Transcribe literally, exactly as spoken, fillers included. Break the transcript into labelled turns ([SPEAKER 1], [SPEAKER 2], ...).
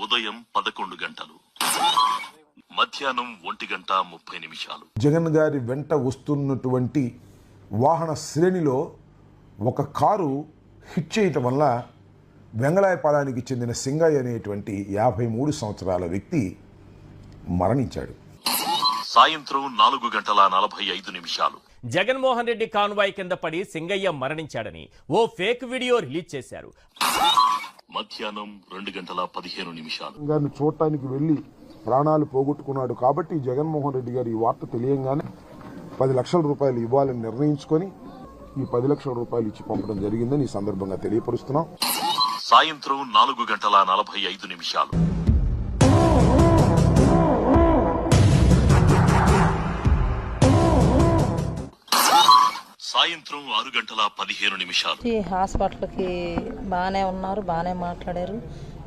[SPEAKER 1] ఉదయం పదకొండు గంటలు, మధ్యాహ్నం ఒంటి గంట ముప్పై నిమిషాలు.
[SPEAKER 2] జగన్ గారి వెంట వస్తున్నటువంటి వాహన శ్రేణిలో ఒక కారు హిట్ చేయటం వల్ల వెంగళాయపాలెనికి చెందిన సింగయ్య అనేటువంటి యాభై మూడు సంవత్సరాల వ్యక్తి మరణించాడు.
[SPEAKER 1] సాయంత్రం నాలుగు గంటల నలభై ఐదు నిమిషాలు.
[SPEAKER 3] జగన్మోహన్ రెడ్డి కాన్వాయ్ కింద పడి సింగయ్య మరణించాడని ఓ ఫేక్ వీడియో రిలీజ్ చేశారు.
[SPEAKER 1] మధ్యాహ్నం రెండు గంటల పదిహేను నిమిషాలు.
[SPEAKER 2] గారిని చూడటానికి వెళ్లి ప్రాణాలు పోగొట్టుకున్నాడు కాబట్టి జగన్మోహన్ రెడ్డి గారు ఈ వార్త తెలియంగానే పది లక్షల రూపాయలు ఇవ్వాలని నిర్ణయించుకొని ఈ పది లక్షల రూపాయలు ఇచ్చి పంపడం జరిగిందని ఈ సందర్భంగా తెలియపరుస్తున్నాం.
[SPEAKER 1] సాయంత్రం నాలుగు గంటల నలభై ఐదు నిమిషాలు. సాయంత్రం ఆరు గంటల పదిహేను నిమిషాలు.
[SPEAKER 4] హాస్పిటల్కి బాగానే ఉన్నారు, బాగానే మాట్లాడారు.